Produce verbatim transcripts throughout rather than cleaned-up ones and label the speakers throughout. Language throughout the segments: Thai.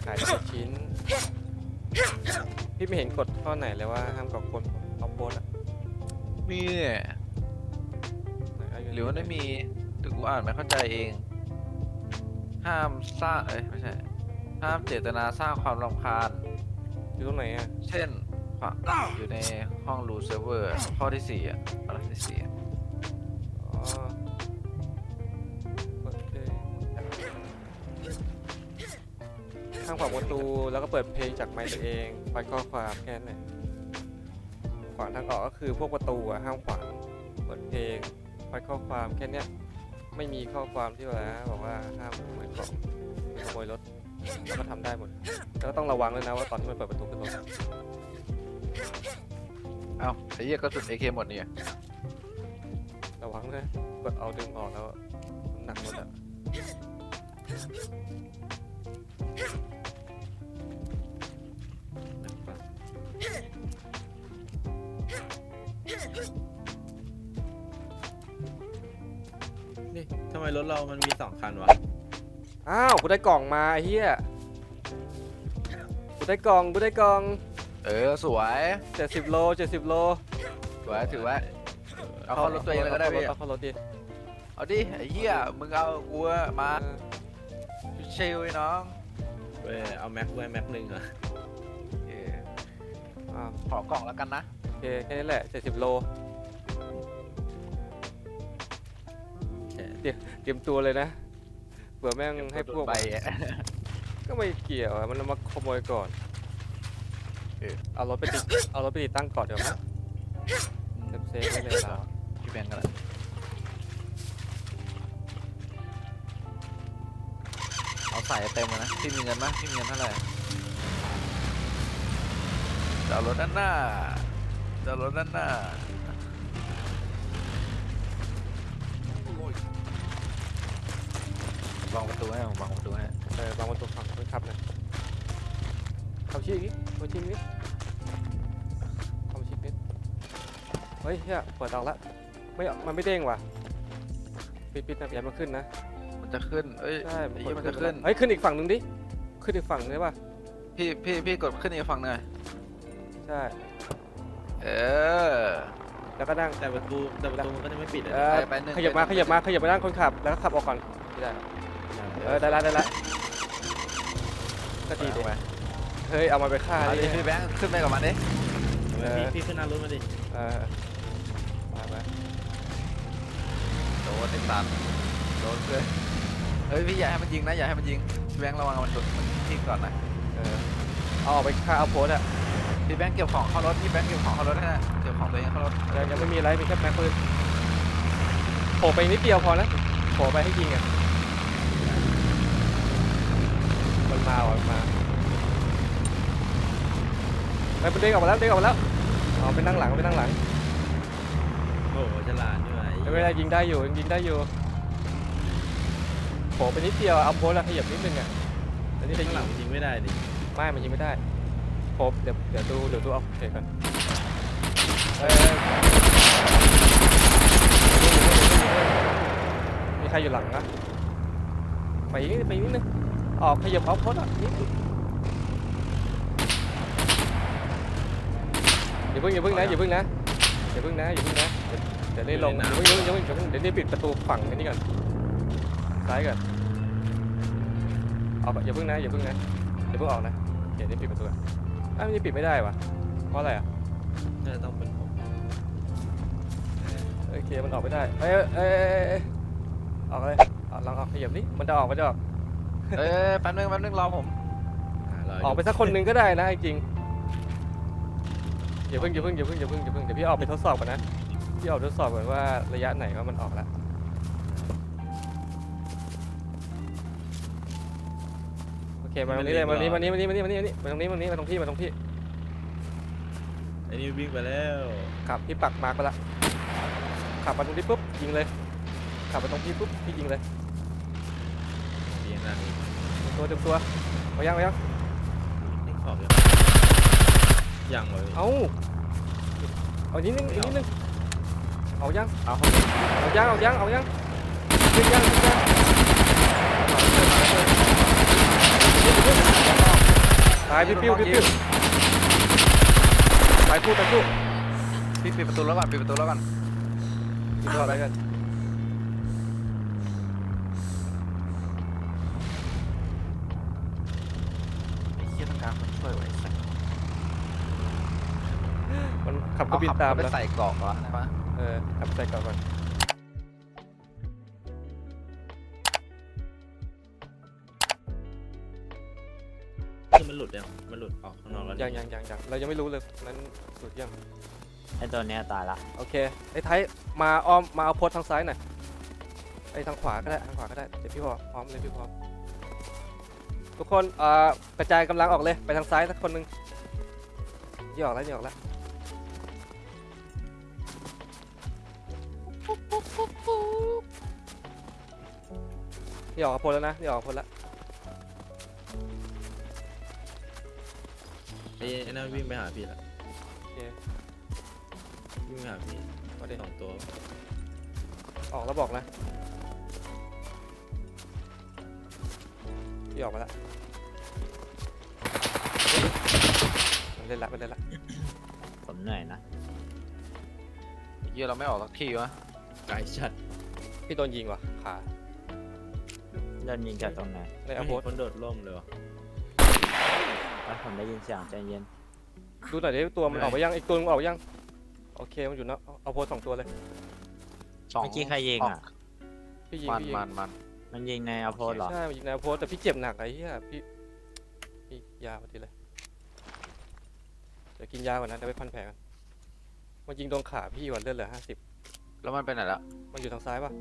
Speaker 1: ขายเป็นชิ้นพี่ไม่เห็นกฎข้อไหนเลยว่าห้ามก่อคนเอาโพสอะ
Speaker 2: มีเนี่ยหรือว่าไม่มีหรือกูอ่านไม่เข้าใจเอง ห้ามสร้างเอ้ยไม่ใช่ห้ามเจตนาสร้างความรำคาญ
Speaker 1: อยู่ตรงไหนอะ
Speaker 2: เช่นอยู่ในห้องรูเซิร์ฟเวอร์ข้อที่สี่อ่ะข้อที่สี่
Speaker 1: อ๋อโอเคห้ามขวางประตูแล้วก็เปิดเพลงจากไมค์ตัวเองฟังข้อความแค่นั้นแหละขวางทางออกก็คือพวกประตูอะห้ามขวางเปิดเพลงฟังข้อความแค่เนี้ยไม่มีข้อความที่ว่าบอกว่าห้ามขโมยของขโมยรถแล้วก็ทำได้หมดแล้วก็ต้องระวังเลยนะว่าตอนที่มันเปิดประตูขึ้นรถ
Speaker 2: เอ้าไอ้เหี้ยกระสุน เอ เค หมดเนี่ย
Speaker 1: ระวังนะกดเอาดึงออกแล้วน้ำหนักรถอะ
Speaker 3: นี่ทำไมรถเรามันมีสองคันวะ
Speaker 1: อ้าวกูได้กล่องมาไอ้เหี้ยกูได้กล่องกูได้กล่อง
Speaker 2: เออสวย
Speaker 1: เจ็ดสิบโลเจ็ดสิบโล
Speaker 2: สวยถือไว้เอาเข้ารถตัวเองเลยก็ได้พี่
Speaker 1: เอาเข้ารถดิ
Speaker 2: เอาดิไอ้เหี้ยมึงเอากูมา
Speaker 1: เออ
Speaker 2: ชิลไอ้น้อง
Speaker 3: เว้ยเอาแม็กไว้แม็กหนึ่งเหรอ
Speaker 2: เออ
Speaker 1: อ้าว
Speaker 2: ขอกล่องแล้วกันนะ
Speaker 1: โอเคแค่นี้แหละเจ็ดสิบโลเตรียมตัวเลยนะเผื่อแม่งให้พวก
Speaker 2: ใบอะ
Speaker 1: ก็ไม่เกี่ยวอะมันเอามาขโมยก่อน
Speaker 2: เออ
Speaker 1: เอารถไปติดเอารถไปติดตั้งก่อนเดี๋ยวมั้ยเซฟเซฟไว้เลยเรา
Speaker 2: พี่แบงค์กันละเอาใส่เต็มเลยนะพี่มีเงินไหมพี่มีเงินเท่าไหร่เดี๋ยวเอารถด้านหน้าเดี๋ยวเอารถด้านหน้าวางประตูให้ผมวางประตูให้
Speaker 1: เออบางวันตัวฝั่งคนขับนะขับชี้อีกขับชี้นิดขับชี้นิดเฮ้ยเฮียเปิดออกละไม่มันไม่เด้งว่ะปิดปิดนะอย่ามันขึ้นนะ
Speaker 2: มันจะขึ้นเอ้ย
Speaker 1: ใช่
Speaker 2: ไอ้เหี้ยมันจะขึ้น
Speaker 1: เฮ้ยขึ้นอีกฝั่งหนึ่งดิขึ้นอีกฝั่งได้ป่ะ
Speaker 2: พี่พี่พี่กดขึ้นอีกฝั่งหน่อย
Speaker 1: ใช่
Speaker 2: เออ
Speaker 1: แล้วก็นั่ง
Speaker 3: แต่ประตูแต่ประตูมันก็จะไม่ปิดอะ
Speaker 1: เอ
Speaker 3: นะ
Speaker 1: อ
Speaker 2: ไปหนึ่ง
Speaker 1: ขยับมา
Speaker 2: ไป
Speaker 1: ข
Speaker 2: หนึ่ง
Speaker 1: ยับมาขยับมานั่งคนขับแล้วก็ขับออกก่อนไม่ได้เออได้ละได้ละก็ดี
Speaker 2: ถู
Speaker 1: ดี
Speaker 2: กไหม
Speaker 1: เฮ้ยเอามาไปฆ่า
Speaker 2: เอา
Speaker 1: ดิ
Speaker 2: ดิพี่แบงค์ขึ้นไปกับมันดิ
Speaker 1: เออ
Speaker 3: พี่พี่ขึ้นหน้ารถมาดิ
Speaker 1: เออมาไป
Speaker 2: โดนติดตันโดนเลยเฮ้ยพี่อย่าให้มันยิงนะอย่าให้มันยิงพี่แบงค์ระวังมันโดนมันทิ้งก่อนนะ
Speaker 1: เออเอาออกไปฆ่าเอาโพสอะ
Speaker 2: พี่แบงค์เก็บของเข้ารถพี่แบงค์เก็บของเข้ารถให้นะเก็บของตัวเองเข้ารถ
Speaker 1: ยังยังไม่มีอะไรมีแค่แม็กปืนโผล่ไปนิดเดียวพอนะโผล่ไปให้ยิงอ่ะมันมาว่ะมันมาไปมันเด้งออกมาแล้วเด้งออกมาแล้วเอาไปนั่งหลังไปนั่งหลัง
Speaker 3: โอ้โหฉลาดด้วย
Speaker 1: ไม่เป็นไรยิงได้อยู่ยิงได้อยู่โผล่ไปนิดเดียวเอาโพสแล้วขยับนิดนึงอ่ะแล้วนี่จะ
Speaker 3: ข้าง
Speaker 1: ยิ
Speaker 3: หลั
Speaker 1: ง
Speaker 3: งยิงไม่ได้ดิ
Speaker 1: ไม่มันยิงไม่ได้โผล่เดี๋ยวเดี๋ยวดูเดี๋ยวดูเอาโอเคก่อนเอ้ยมีใครอยู่หลังนะไปอีกนิดไปอีกนิดนึงออกขยับเอาโพสอ่ะนิดอย่าเพิ่งอย่าเพิ่งนะอย่าเพิ่งนะอย่าเพิ่งนะอย่าเพิ่งนะเดี๋ยวเดี๋ยวนี่ลงอย่าเพิ่งอย่าเพิ่งอย่าเพิ่งเดี๋ยวนี่ปิดประตูฝั่งอันนี้ก่อนซ้ายก่อนออกก่อนอย่าเพิ่งนะอย่าเพิ่งนะอย่าเพิ่งออกนะเดี๋ยวนี่ปิดประตูก่อนอ้าวนี่ปิดไม่ได้วะเพราะอะไรอ่ะ
Speaker 3: น่าจะต้องเป็นผม
Speaker 1: โอเคมันออกไม่ได้เอ้ยเอ้ยเอ้ยเอ้ยออกเลยออกลองออกขยับนี่มันจะออกมันจะออก
Speaker 2: เอ้ยแป๊บนึงแป๊บนึงรอผม
Speaker 3: หารอย
Speaker 1: ออกไปสักคนหนึ่งก็ได้นะจริงอย่าเพิ่งอย่าเพิ่งอย่าเพิ่งอย่าเพิ่งอย่าเพิ่งเดี๋ยวพี่ออกไปทดสอบก่อนนะพี่ออกทดสอบก่อนว่าระยะไหนว่ามันออกแล้วโอเคมาตรงนี้เลยมาตรงนี้มาตรงนี้มาตรงนี้มาตรงนี้มาตรงนี้มาตรงนี้มาตรงพี่มาตรงพี่
Speaker 3: ไอ้นี่วิ่งไปแล้ว
Speaker 1: ขับพี่ปักมาร์กไปละขับมาตรงนี้ปุ๊บยิงเลยขับมาตรงพี่ปุ๊บพี่ยิงเลย
Speaker 3: เรียนนั่นนี่
Speaker 1: ตัวเต็มตัวเอายังเอายัง
Speaker 3: นี่ขอบยังยังเลย
Speaker 1: เอาเอานิดนึงอีกนิดนึงเอายัง
Speaker 2: เอา
Speaker 1: เอายังเอายังเอายังยิงยังยิงยังายปิ้วปิ้วปิ้วปิ้วไปพูดไปพูด
Speaker 2: พี่ปิดประตูแล้วก่อนปิดประตูแล้วก่อน
Speaker 1: กินข้าวอะไรกัน
Speaker 2: ไอ้เหี้ยต้องการคนช่วยไว้สัก
Speaker 1: มันขับก็บินตาม
Speaker 2: ไป
Speaker 1: แล้ว
Speaker 2: ใส่กรอกก่อนนะปะ
Speaker 1: เออขับใส่กลับก่อน
Speaker 3: คือมันหลุดยังมันหลุดออกข้างนอกแล้ว
Speaker 1: ยังยังยังยังเรายังไม่รู้เลยนั้นสุดยัง
Speaker 4: ไอตัวเนี้ยตายละ
Speaker 1: โอเคไอ้ไทยมาอ้อมมาเอาโพสทางซ้ายหน่อยไอ้ทางขวาก็ได้ทางขวาก็ได้เดี๋ยวพี่พอพร้อมเลยพี่พร้อมทุกคนเอ่อกระจายกำลังออกเลยไปทางซ้ายสักคนหนึงนี่ออกแล้วนี่ออกแล้วนี่ออกกับโพลแล้วนะนี่ออกกับโพลแล้ว
Speaker 3: ไอ้ไอ้นั่นวิ่งไปหาพี่ละ
Speaker 1: โอเค
Speaker 3: วิ่งไปหาพี่
Speaker 1: มาดิ
Speaker 3: สองตัว
Speaker 1: ออกแล้วบอกนะนี่ออกมาแล้วมันเล่นละมันเล่นละ
Speaker 4: ผมเหนื่อยนะ
Speaker 2: ไอ้เหี้ยเราไม่ออกสักทีวะ
Speaker 3: ไกลชัด
Speaker 1: พี่โดนยิงว่ะขา
Speaker 4: เดินยิงจากตรงไหน
Speaker 1: ใน
Speaker 3: ไม่
Speaker 1: อา
Speaker 3: เห็
Speaker 1: โพ
Speaker 3: น
Speaker 1: ส
Speaker 3: คนโดดร่มเลยวะ
Speaker 4: แล้วผมได้ยินเสียงใจเย็น
Speaker 1: ดูหน่อยดิตัวมันออกไปยังอีกตัวมันออกไปยังโอเคมันอยู่เนอะเอาเอาโพสสองตัวเลย
Speaker 2: สอง
Speaker 4: เมื่อกี้ใครยิงอ่ะ
Speaker 1: พี่ยิง
Speaker 2: มัน
Speaker 1: พี่ยิง
Speaker 2: มันมัน
Speaker 4: มันยิงในอโพสเหรอ
Speaker 1: ใช่มันยิงในอาโพสแต่พี่เจ็บหนักไอ้เหี้ยพี่พี่ยาพอดีเลยเดี๋ยวกินยาก่อนนะเดี๋ยวไปพันแผลกันมันยิงโดนขาพี่วันเลือดเหลือห้าสิบ
Speaker 2: แล้วมันไปไหนละ
Speaker 1: มันอยู่ทางซ้ายป่ะ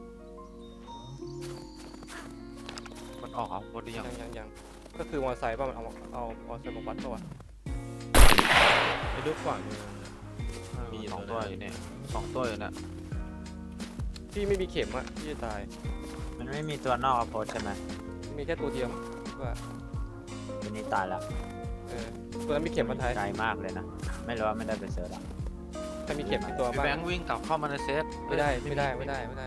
Speaker 2: มันออกเอาบนหรือยัง
Speaker 1: ยังยังยังก็คือมอเตอร์ไซค์ป่ะมันเอาเอามอเตอร์ไซค์มาวัดป่ะวะ
Speaker 3: ไอ้ลูกขวางมือ
Speaker 2: เออ
Speaker 3: มีอยู่
Speaker 2: สอง
Speaker 3: ตั
Speaker 2: ตัว
Speaker 3: วหนึ่ง
Speaker 2: อยู่เนี่ยสองตัวอยู่เนี่ย
Speaker 1: พี่ไม่มีเข็มอะพี่จะตาย
Speaker 4: มันไม่มีตัวนอกอโพสใช่ไหม
Speaker 1: มีแค่ตัวเดียวว่า
Speaker 4: ตัวนี้ตายละ
Speaker 1: เออตัวนั้นมีเข็มมาไทย
Speaker 4: ไกลมากเลยนะ ไม่รู้ว่าไม่ได้ไปเสิร์ชอ่ะ
Speaker 1: ถ้ามีเข็มมีตัว
Speaker 2: พี่
Speaker 1: บ้า
Speaker 2: แบ
Speaker 1: ง
Speaker 2: งค์วิ่งกลับเข้ามาในเซต
Speaker 1: ไม่ได้ไม่ได้ไม่ได้ไม่ได้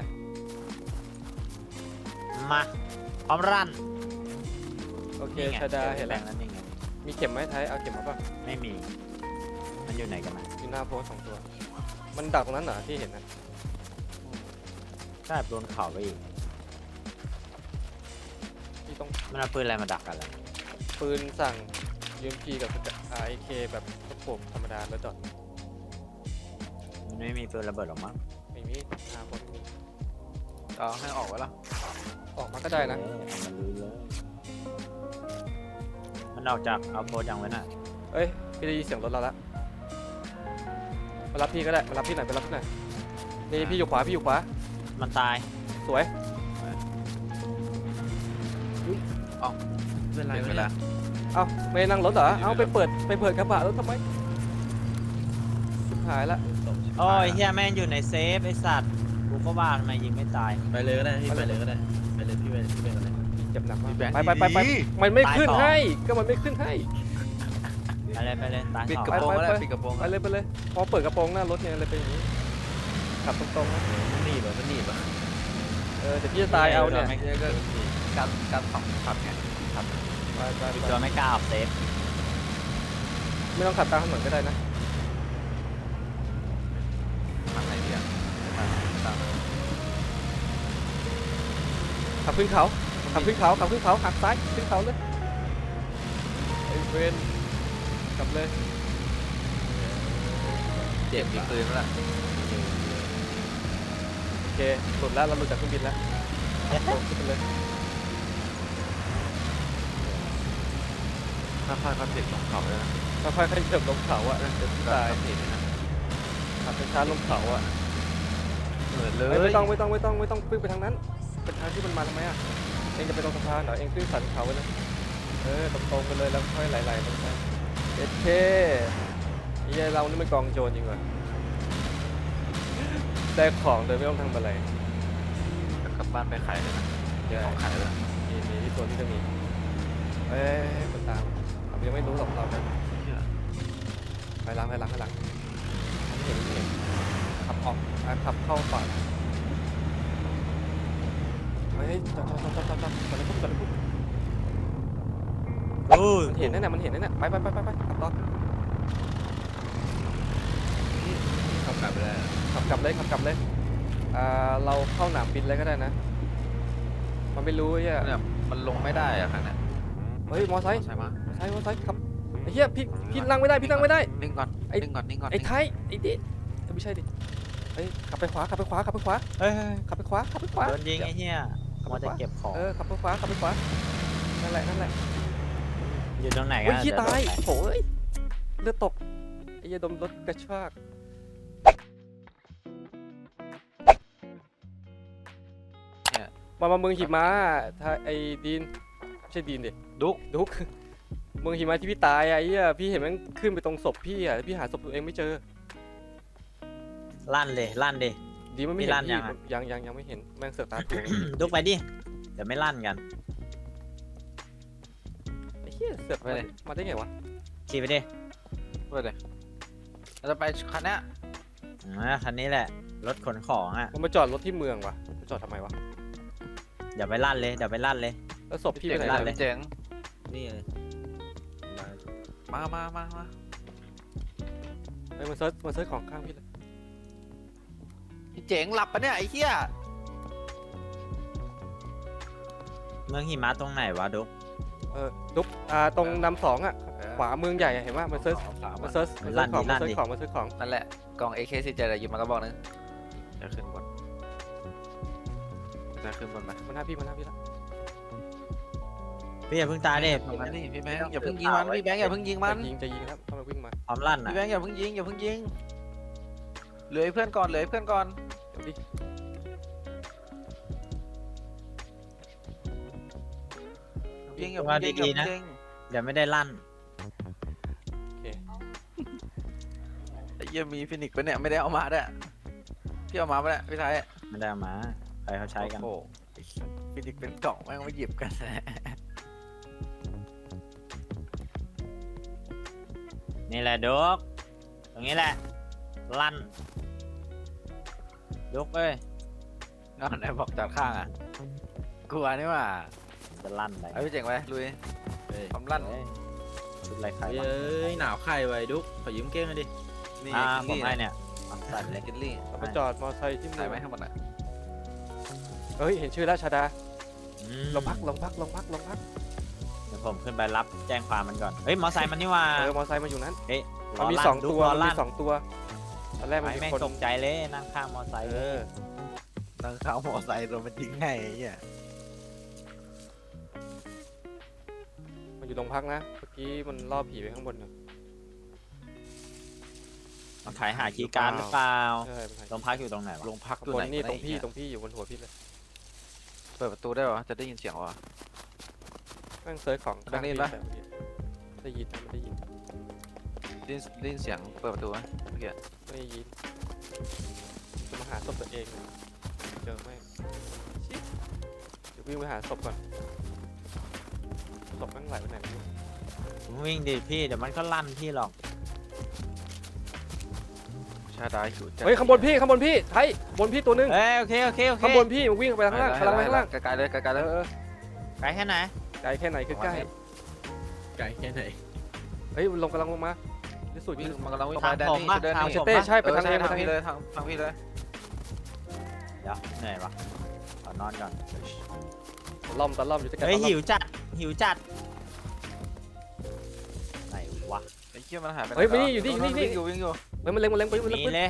Speaker 4: มาพร้อมรัน
Speaker 1: โอเค
Speaker 4: นี่ไง
Speaker 1: ชาดาเห็น
Speaker 4: แล้
Speaker 1: แล้ว ว
Speaker 4: นั่นนี่ไง
Speaker 1: มีเข็มไหมไทยเอาเข็มมาป่ะ
Speaker 4: ไม่มี มันอยู่ไหนกันนะ
Speaker 1: อยู่หน้าโพสสองตัว มันดักตรงนั้นเหรอที่เห็นนะ
Speaker 4: ก็โดนเข่าไปอีก
Speaker 1: ที่ต้อง
Speaker 4: มันเอาปืนอะไรมาดักกันล่ะ
Speaker 1: ปืนสั่ง ยู เอ็ม พี กับไอเคแบบกระโปรงธรรมดาแล้วดอท
Speaker 4: มันไม่มีปืนระเบิดหรอกมั้ง
Speaker 1: ไม่มีหน้าโพสไม่มี
Speaker 2: เอาให้ออกไว้ละ
Speaker 1: ออกมาก็ได้นะ
Speaker 4: เออเอามันลุยเลย มันออกจากเอาโพสยังไว้น่ะ
Speaker 1: เอ้ยพี่ได้ยินเสียงรถเราละมารับพี่ก็ได้มารับพี่หน่อยไปรับพี่หน่อยนี่พี่อยู่ขวาพี่อยู่ขวา
Speaker 4: มันตาย
Speaker 1: สวย
Speaker 3: เป็นไร
Speaker 2: เป็น
Speaker 3: วะ
Speaker 2: เว
Speaker 3: เนี่
Speaker 2: ลาย
Speaker 1: เอ้าไม่นั่งรถเหรอ
Speaker 2: อยู่
Speaker 1: เอ้า
Speaker 2: ในรถ
Speaker 1: ไปเปิดไปเปิดกระบะรถทำไมชิบหายละ
Speaker 4: โอ้ยเฮียแม่งอยู่ในเซฟไอสัตว์กูก็ว่าทำไมยิงไม่ตาย
Speaker 3: ไปเลยก็ได้พี่ไปเลยก็ได้ไปเลยพี่ไปพี่ไปกันเลย
Speaker 1: เจ็บหนักมาก
Speaker 2: พี่แบงค์
Speaker 1: ไปไปไปไป
Speaker 2: ดี
Speaker 1: มันไม่
Speaker 4: ตาย
Speaker 1: ขึ้น
Speaker 4: สอง
Speaker 1: ให้ก็มันไม่ขึ้นให้
Speaker 4: ไปเลยไปเลยตาย
Speaker 2: ปิด
Speaker 4: สอง
Speaker 2: กระโปรง
Speaker 1: ไป
Speaker 2: ก็ได้
Speaker 1: ไป
Speaker 2: ปิดกระโปรง
Speaker 1: ไปเลยไปเลยพอเปิดกระโปรงหน้ารถเนี่ยเลยเป็นอย่างนี้ขับตรงๆนะ
Speaker 3: มันหนีบอ่ะมันหนีบอ่ะ
Speaker 1: เออเดี๋ยวพี่จะตายเอาเนี่ย
Speaker 4: ไม่
Speaker 2: เนี่ยก็การการสองขับไง
Speaker 1: ไปไป
Speaker 4: อีก
Speaker 1: ไป
Speaker 4: ตัวไม่กล้าออกเซฟ
Speaker 1: ไม่ต้องขับตามถนนก็ได้นะ
Speaker 2: ทางไหนดีอ่ะตาม
Speaker 1: ขับขึ้นเขาขับขึ้นเขาขับขึ้นเขาหักซ้ายขึ้นเขาเลยไอ้เวนกลับเลย
Speaker 2: เจ็บมีปืนแล้วล่ะ
Speaker 1: โอเคหลุดแล้วเราหลุดจากเครื่องบินแล้วลงขึ้นไปเลย
Speaker 2: ถ้าพลาดก็ติดลงเขาเลยนะ
Speaker 1: ค่อยๆขยับลงเขาอะเดี๋ยวพี่ตาย
Speaker 2: ติดนะ
Speaker 1: ขับช้าๆลงเขาอะ
Speaker 2: เหมือนเล
Speaker 1: เอ้ย
Speaker 2: ย
Speaker 1: ไม่ต้องไม่ต้องไม่ต้องไม่ต้องขึ้นไปทางนั้นเป็นทางที่มันมาทำไมอะเองจะไปตรงสะพานเหรอเองขึ้นสันเขาไปเลยเออตรงๆไปเลยแล้วค่อยไหลๆลงไปเอเคไอ้เหี้ยเรานี่มันกองโจรจริงว่ะได้ของโดยไม่ต้องทำอะไร
Speaker 2: กลับบ้านไปขายเลยนะมีของขายเลย
Speaker 1: มีมีที่ตัวที่จะมีเอ้ยคนตามเรายังไม่รู้หรอกเรานะไปล้างไปล้างไปล้างเห็นเห็นขับออกอ่ะขับเข้าก่อนเฮ้ยจอดจอดจอดจอดจอดจอดจอดเลยปุ๊บจอดเลยปุ๊บรถ
Speaker 4: โอ้
Speaker 1: มันเห็นนั่นน่ะมันเห็นนั่นน่ะไปไปไปไปไปขับต่อ
Speaker 3: ขับกลับไปแล้ว
Speaker 1: ขับกลับเลยขับกลับเลยอ่าเราเข้าหนามบินเลยก็ได้นะมันไม่รู้ไอ้เหี้ย
Speaker 2: เนี่ยมันลงไม่ได้อะคันเนี้ย
Speaker 1: เฮ้ยมอไซค์
Speaker 2: ใช่ไหม
Speaker 1: มอไซค์มอไซค์ขับไอ้เหี้ยพี่พี่นั่งไม่ได้พี่นั่งไม่ได้
Speaker 2: นิ่งก่อน
Speaker 1: ไอ้
Speaker 2: นิ่งก่อนนิ่งก่อน
Speaker 1: ไอ้ไทยไอ้ดิเอ้ยไม่ใช่ดิเฮ้ยขับไปขวาขับไปขวาขับไปขวา
Speaker 4: เฮ้ย
Speaker 1: ขับไปขวาขับไปขวา
Speaker 4: โดนยิงไอ้เหี้ย
Speaker 1: ขับ
Speaker 4: มั
Speaker 1: ไป
Speaker 4: ว
Speaker 1: ข
Speaker 4: จะ
Speaker 1: วา
Speaker 4: เก็บของ
Speaker 1: เออขับไปขวาขับไปขวานั่นแหละนั่นแหละ
Speaker 4: อยู่ตรงไหนกั
Speaker 1: โอ้ย
Speaker 4: น
Speaker 1: ขี้
Speaker 4: เดี๋ว
Speaker 1: ตาย
Speaker 4: โดนไป
Speaker 1: โถ่เอ้ยเลือดตกไอ้เหี้ยดมรถกระชากมามาเมืองหิมะถ้าไอ้ดีนไม่ใช่ดีนดิ
Speaker 2: ดุก
Speaker 1: ดุก เมืองหิมะที่พี่ตายอะไอ้เหี้ยพี่เห็นมันขึ้นไปตรงศพพี่อะแล้วพี่หาศพตัวเองไม่เจอ
Speaker 4: ลั่นเลยลั่นดิ
Speaker 1: ดีมันไม่
Speaker 4: มี
Speaker 1: เห็น
Speaker 4: ลั่น
Speaker 1: พี่
Speaker 4: ยังอะ
Speaker 1: ยังยังยังไม่เห็นแม่งเสือกตาตัว
Speaker 4: ดุกไปดิเดี๋ยวไม่ลั่นกัน
Speaker 1: ไอ้เหี้ยเสือกมามาได้ไงวะ
Speaker 4: ขี่ไปดิ
Speaker 2: ไปเลยเราจะไปคันเนี้ย
Speaker 4: อ่าคันนี้แหละรถขนของอ่ะ
Speaker 1: มันมาจอดรถที่เมืองวะมาจอดทำไมวะ
Speaker 4: เดี๋ยวไปลั่นเลยเดี๋ยวไปลั่นเลย
Speaker 1: แล้วศพพี่ไป
Speaker 2: เจ๋ง
Speaker 1: ไหน
Speaker 2: ลั่น
Speaker 1: อะ
Speaker 2: เลยเจ๋ง
Speaker 3: นี่เลย
Speaker 2: มามามามา
Speaker 1: เอ้ยมันเซิร์ชมันเซิร์ชของข้างพี่เลย
Speaker 2: พี่เจ๋งหลับปะเนี่ยไอ้เหี้ย
Speaker 4: เมืองหิมะตรงไหนวะดุก
Speaker 1: เออดุ๊กอ่าตรงนำสองอะขวาเมืองใหญ่อะเห็นว่ามันเซิร์ช
Speaker 2: สาม
Speaker 1: มันเซิร์ชมันเซิร์ชของมันเซิร์ชของมันเซิร์ชของ
Speaker 2: นั่นแหละกล่อง เอ เค สี่สิบเจ็ดอะหยิบมากระบอกนึงจะขึ้นบนจะขึ้นบนไหม
Speaker 1: มันหน้าพี่มันหน้าพี่ละ
Speaker 4: พี่อย่าเพิ่งตายดิ
Speaker 2: ตรงนั้นนี่พี่แบงค์อย่าเพิ่งยิงมันพี่แบงค์อย่าเพิ่งยิงมัน
Speaker 1: จะยิงจะยิงครับถ้ามันวิ่งมา
Speaker 4: พร้อมลั่น
Speaker 2: พี่
Speaker 4: อ่ะ
Speaker 2: แบงค์อย่าเพิ่งยิงอย่าเพิ่งยิงเหลือให้เพื่อนก่อนเหลือให้เพื่อนก่อน
Speaker 1: เดี๋ยวดิ
Speaker 2: ยิงอย่าเพิ่งยิงอย่าเพิ่งยิง
Speaker 4: เดี๋ยวไม่ได้ลั่น
Speaker 1: โอเค
Speaker 2: ไอ้เหี้ยมีฟินิกซ์ปะเนี่ยไม่ได้เอามาด้วยพี่เอามาปะเนี่ยพี่ไทย
Speaker 4: ไม่ได้เอามาใครเขาใช้กัน
Speaker 2: โอ้โหฟินิกซ์เป็นกล่องแม่งไม่หยิบกัน
Speaker 4: นี่แหละดุกตรงนี้แหละลั่นดุกเอ้ย
Speaker 2: นอนไหนบอกจอดข้างอ่ะกลัวนี่ว่า
Speaker 4: จะลั่นไป
Speaker 2: เอาพี่เจ๋งไปลุย
Speaker 3: เฮ้ย
Speaker 2: ทำลั่น
Speaker 4: เฮ้ยชุดอะไรใคร
Speaker 3: เฮ้
Speaker 4: วะ
Speaker 3: ยหนาวไข่ไว้ดุ๊กขอยืมเก้งหน่อยดิ
Speaker 2: นี่
Speaker 4: อ่า
Speaker 2: กิน
Speaker 4: ผม
Speaker 2: ลี่
Speaker 4: ให้เนี่ยเอาสัตว์เลย
Speaker 2: กินลี่
Speaker 1: เราไปจอดมอเตอร์ไซค์ที่เมื
Speaker 2: ใส่
Speaker 1: อง
Speaker 2: ไหมทั้งหมดอ่ะ
Speaker 1: เฮ้ยเห็นชื่อแล้วชาดา
Speaker 4: อืม
Speaker 1: ลงพักลงพักลงพักลงพัก
Speaker 4: เดี๋ยวผมขึ้นไปรับแจ้งความมันก่อนเฮ้ยมอไซค์มันนี่ว่า
Speaker 1: เออมอเตอร์ไซค์มาอยู่นั้น
Speaker 4: เฮ้ย
Speaker 1: มันมี
Speaker 4: ล้
Speaker 1: สอง
Speaker 4: ดุ๊ก
Speaker 1: ตัว
Speaker 4: ล้
Speaker 1: มัน
Speaker 4: ลั่
Speaker 1: มีสองตัวตอนแรกมัน
Speaker 4: ไอ้
Speaker 1: มี
Speaker 4: แม่ง
Speaker 1: คน
Speaker 4: ตกใจเลยนั่งข้างมอไซค์
Speaker 1: เออ
Speaker 2: นั่งข้าวมอไซค์โดนมันยิงไงไอ้เหี้ย
Speaker 1: มันอยู่ตรงพักนะเมื่อกี้มันล่อผีไปข้างบนนะ
Speaker 4: มันถ่ายหาคีย์การ์ดหรือเปล่า
Speaker 1: ใช่มันถ่าย
Speaker 4: โรงพักอยู่ตรงไหนวะ
Speaker 2: ลงพัก
Speaker 1: ข้าง
Speaker 2: ตัว
Speaker 1: บ
Speaker 2: ไหน
Speaker 1: นนี่ตรง
Speaker 2: วะ
Speaker 1: พี่
Speaker 2: ไอ้เหี้ย
Speaker 1: ตรงพี่อยู่บนหัวพี่เลย
Speaker 2: เปิดประตูได้ปะจะได้ยินเสียงวะ
Speaker 1: แม่งเซิร์ชของ
Speaker 2: ทางนี้ปะ
Speaker 1: ได้ยินไม่ได้ยิน
Speaker 2: ได้ยินได้ยินเสียงเปิดประตูไหมเมื่อกี้
Speaker 1: ไม่ได้ยินจะมาหาศพตัวเองเจอไหมชิเดี๋ยววิ่งไปหาศพก่อนศพแม่งไหลไปไหนไม่รู้
Speaker 4: ผมวิ่งดิพี่เดี๋ยวมันก็ลั่นพี่หรอก
Speaker 2: ชาดาหิวจัด
Speaker 1: เฮ้ยข้างบนพี่ข้างบนพี่ไทยบนพี่ตัวหนึง
Speaker 4: เอ้ยโอเคโอเคโอเค
Speaker 1: ข้างบนพี่มันวิ่งไปข้างล่างข้างล่างไปข้างล่าง
Speaker 2: ไกลๆเลยไกลๆเลย
Speaker 1: เออ
Speaker 4: ไกลแค่ไหน
Speaker 1: ไกลแค่ไหนคือใกล้
Speaker 3: ไก่แค่ไหน
Speaker 1: เฮ้ยมันลงกำลังลงมาที่สุด
Speaker 2: วิ่
Speaker 1: ที่
Speaker 2: งมันกำลังวิ่ง
Speaker 4: ทาง
Speaker 2: แดน
Speaker 4: ผม
Speaker 2: นี่
Speaker 4: ปะ
Speaker 2: เดิน
Speaker 4: ทาง
Speaker 2: นี่
Speaker 4: ผม
Speaker 1: เต้
Speaker 4: ปะ
Speaker 1: ใช่ไปทาง
Speaker 2: เออ
Speaker 1: เองไป
Speaker 2: ทาง
Speaker 1: ทางเอ
Speaker 2: พี่
Speaker 1: ง
Speaker 2: เลยทางทางพี่เลย
Speaker 4: เดี๋ยวเหนื่อยวะขอนอนก่อน
Speaker 1: ล่อมตะล่อมอยู่ที่กัน
Speaker 4: เฮ้ย
Speaker 1: ตะล่อม
Speaker 4: หิวจัดหิวจัดไหนวะ
Speaker 2: ไอ้เหี้ยมันหายไปไห
Speaker 1: เฮ้ยมานี่อยู่นี่
Speaker 2: โ
Speaker 1: นี่นี่
Speaker 2: วิ่งอยู่วิ่งอยู่
Speaker 1: เฮ้ยมันเล็งมันเล็งไปมันเล็ง
Speaker 4: มี
Speaker 1: ไป
Speaker 4: เลย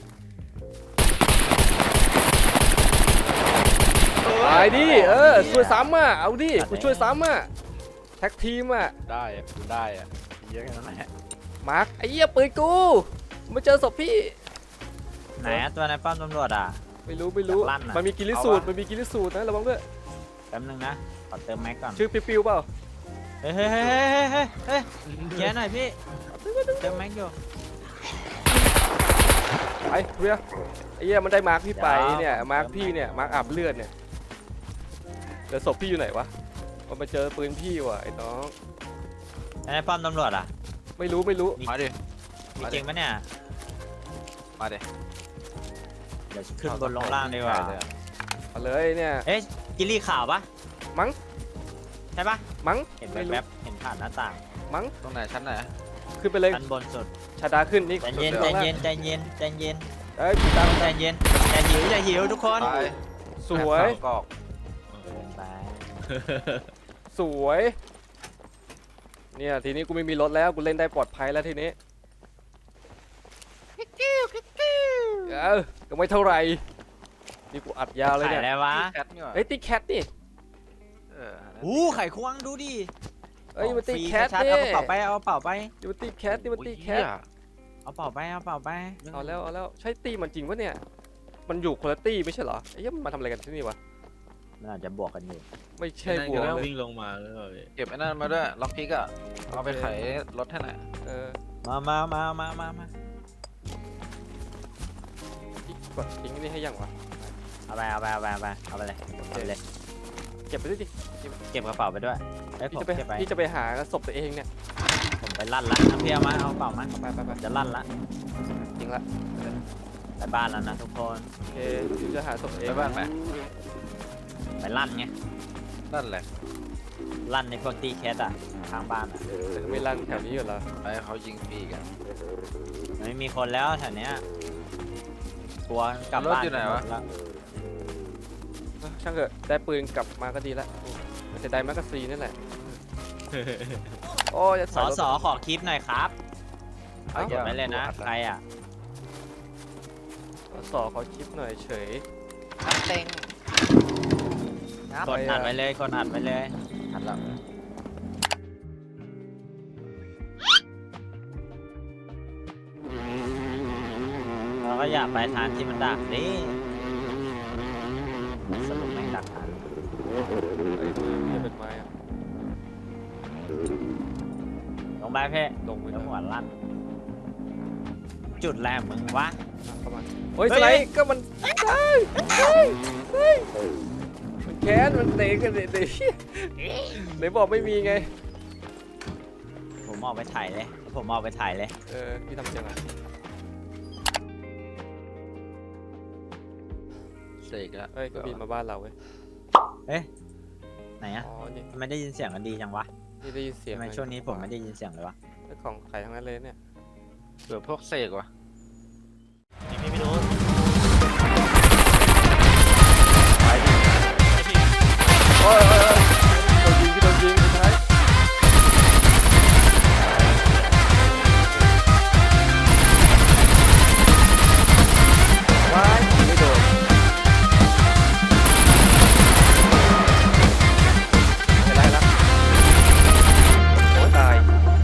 Speaker 1: ตายดิเออช่วยซ้ำอ่ะเอาดิกูช่วยซ้ำอ่ะแท็กทีมอ่ะ
Speaker 2: ได้อะได้อะเยอะแค่นั้นแหละ
Speaker 1: มาร์คไอ้เหี้ยปืนกูมาเจอศพพี่
Speaker 4: ไหนอะตัวในป้อมตำรวจอ่ะ
Speaker 1: ไม่รู้ไม่รู้
Speaker 4: อยากลั่นอะ
Speaker 1: มันมีกิริสูตรมันมีกิริสูตรนะระวังด้วย
Speaker 4: แป๊บนึงนะขอเติมแม็กก่อน
Speaker 1: ชื่อปิวๆเปล่า
Speaker 4: เฮ้ยเฮ้ยเฮ้ยเฮ้ยเฮ้ยเฮ้ยแย่หน่อยพี่เติมแม็กอยู่
Speaker 1: ไปเรียไอ้เหี้ยมันได้มาร์คพี่ไป
Speaker 4: เดี๋ยว
Speaker 1: เนี่ย
Speaker 4: ผม
Speaker 1: มาร์ค
Speaker 4: เติม
Speaker 1: พี่เนี่ยมาร์คอาบเลือดเนี่ยแต่ศพพี่อยู่ไหนวะมันมาเจอปืนพี่ว่ะไอ้น้อง
Speaker 4: ในป้อมตำรวจอ่ะ
Speaker 1: ไม่รู้ไม่รู้
Speaker 2: มาดิ
Speaker 4: มีจริงปะเนี่ย
Speaker 2: มาดิ
Speaker 4: เดี๋ยวขึ้นบนลงล่างดีกว่า
Speaker 1: มาเลยเนี่ย
Speaker 4: เอ๊ะกิลลี่ข่าวปะ
Speaker 1: มั้ง
Speaker 4: ใช่ปะ
Speaker 1: มั้ง
Speaker 4: เห็น
Speaker 1: ไม่รู้
Speaker 4: แวบๆเห็นผ่านหน้าต่าง
Speaker 1: มั้ง
Speaker 2: ตรงไหนชั้นไหน
Speaker 1: ขึ้นไปเลย
Speaker 4: ชั้นบนสุด
Speaker 1: ชาดาขึ้นนี่
Speaker 4: ใจเย็น
Speaker 1: สุด
Speaker 4: ใจ
Speaker 1: ล่าง
Speaker 4: เย็นใจเย็นใจเย็น
Speaker 1: เอ้ยพี่ตาม
Speaker 4: ใจเย็นใจหิวใจหิวทุกคน
Speaker 2: ตาย
Speaker 1: สวย
Speaker 2: สามกอก
Speaker 4: เกินไป
Speaker 1: สวย เนี่ยทีนี้กูไม่มีรถแล้วกูเล่นได้ปลอดภัยแล้วทีนี้เออก็ไม่เท่าไหร่นี่กูอัดยาวเลย
Speaker 4: ไข่
Speaker 1: เนี่ย
Speaker 4: อะไรวะ
Speaker 2: แคทนี่หว่า
Speaker 1: เฮ้ยตีแคทนี่
Speaker 2: เออ
Speaker 4: อู้ไข่ควงดูดิ
Speaker 1: เอ้ยมันตี
Speaker 4: ฟรี
Speaker 1: แคท
Speaker 4: ชัดๆ
Speaker 1: นี่
Speaker 4: เอากระเป๋าไปเอากระเป๋าไป
Speaker 1: นี่มันตีแคทนี่มันตีแคท
Speaker 2: โอ้ยเหี้ย
Speaker 4: เอาเป๋าไปเอาเป๋าไป
Speaker 1: เอาแล้วเอาแล้วใช่ตีมันจริงปะเนี่ยมันอยู่คนละตีไม่ใช่เหรอไอ้เหี้ยมันมาทำอะไรกันที่นี่วะ
Speaker 4: มันอาจจะบวกกันอยู่
Speaker 1: ไม่ใช่
Speaker 3: นั่น
Speaker 1: บว
Speaker 3: ก็
Speaker 1: กเลย
Speaker 3: วิ่งลงมาหรือเปล่าพี่
Speaker 2: เก็บไอ้นั่นมาด้วยล็อกพิกอะเอาไป
Speaker 1: โอเค
Speaker 2: ไขรถให้หน่อย
Speaker 1: เออ
Speaker 4: มามามามามามา
Speaker 1: อีกกดทิ้งนี่ให้ยังวะ
Speaker 4: เอาไปเอาไปเอาไปเอาไปเอาไปเลยเอาไปเลย
Speaker 1: เก็บไปด้วยดิ
Speaker 4: เก็บกระเป๋าไปด้วยไอ้ยผ
Speaker 1: พี่
Speaker 4: ม
Speaker 1: จะไป
Speaker 4: เก็บไป
Speaker 1: พี่จะไปหาศพตัวเองเนี่ย
Speaker 4: ผมไปลั่นละเอาพี่เอามาเอากระเป๋ามา
Speaker 1: ไปไปไป
Speaker 4: จะลั่นละ
Speaker 1: จริงละ
Speaker 4: ไปบ้านแล้วนะทุกคน
Speaker 1: โอเคพี่จะหาศพตัวเอง
Speaker 2: ไปบ้านไหม
Speaker 4: ไปลั่นไง
Speaker 2: นั่นแหละ
Speaker 4: ลั่นในพวกตีแคสอะข้างบ้านอะ
Speaker 1: แต่ไม่ลั่นแถวนี้อยู่แล้ว
Speaker 2: ไปเขายิงฟรีกัน
Speaker 4: ไม่มีคนแล้วแถวเนี้ยกลัวกลับบ้านกันหมดแล้ว
Speaker 1: ช่างเถอะได้ปืนกลับมาก็ดีละมันจะได้แมกกาซีนนั่นแหละโอ้จะ
Speaker 4: สอสอขอคลิปหน่อยครับเอาเก็บไว้เลยนะ
Speaker 2: เอา
Speaker 4: ใครอะ
Speaker 1: สอสอขอคลิปหน่อยเฉย
Speaker 2: น้ำเต็ง
Speaker 4: กดอัดไว้เลยกดอัดไว้เลย
Speaker 2: หันหลัง
Speaker 4: เราก็อยากไปทางที่มันดักดิสรุปไม่งดักทัน
Speaker 1: ไอ้มือมันจะเป็นไม้อะ
Speaker 4: ลงไปเพ่
Speaker 1: ลงไป
Speaker 4: แล้
Speaker 1: แล้ว ว
Speaker 4: หัวลั่น จุดแรกมึงวะ
Speaker 1: เข้ามาโอ้ย
Speaker 4: เฮ้
Speaker 1: ส
Speaker 4: ย
Speaker 1: ไลด์ก็มันได้ได้ได้มันแค้นมันเตะกันเตะเตะไหนบอกไม่มีไง
Speaker 4: ผมออกไปถ่ายเลย ผมออกไปถ่ายเลย
Speaker 1: เออพี่ทำยังไง
Speaker 2: เสกละ
Speaker 1: เฮ้ยก็บินมาบ้านเราเว้ย
Speaker 4: ไหนอะ
Speaker 1: อ๋อนี่
Speaker 4: ทำไมได้ยินเสียงกันดีจังวะ
Speaker 1: นี่ได้ยินเสียง
Speaker 4: ทำไมช่วงนี้ผมไม่ได้ยินเสียงเลยวะ
Speaker 1: เรื่องของใครทั้งนั้นเลยเนี่ย
Speaker 2: เผื่อพวกเสกว่ะ
Speaker 4: ไม่ไม่รู้
Speaker 1: ไปดิโอ้ยโอ้ยโอ้ยโดนยิงพี่โดนยิงสุดท้ายว้ายไม่โดนเป็นไรละโอ้ตาย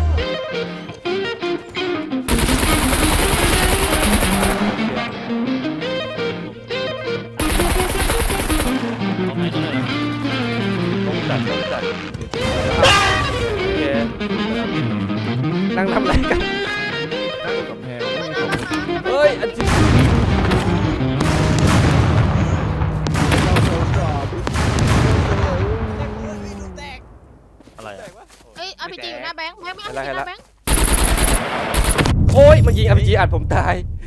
Speaker 3: ตรงไหนตรงไหน
Speaker 1: ต้องจัดต้องจัดโอเคนั่งทำอะไรกัน
Speaker 3: นั่งกับแพงไม่มีของ
Speaker 1: เฮ้ยอันจริง
Speaker 4: อะไรอะ
Speaker 5: เอ้ยอาร์พีจีอยู่หน้าแบงค์แบงค์ไม่อาร์พีจีหน้าแบงค์
Speaker 1: โอ้ยมันยิงอาร์พีจีอัดผมตาย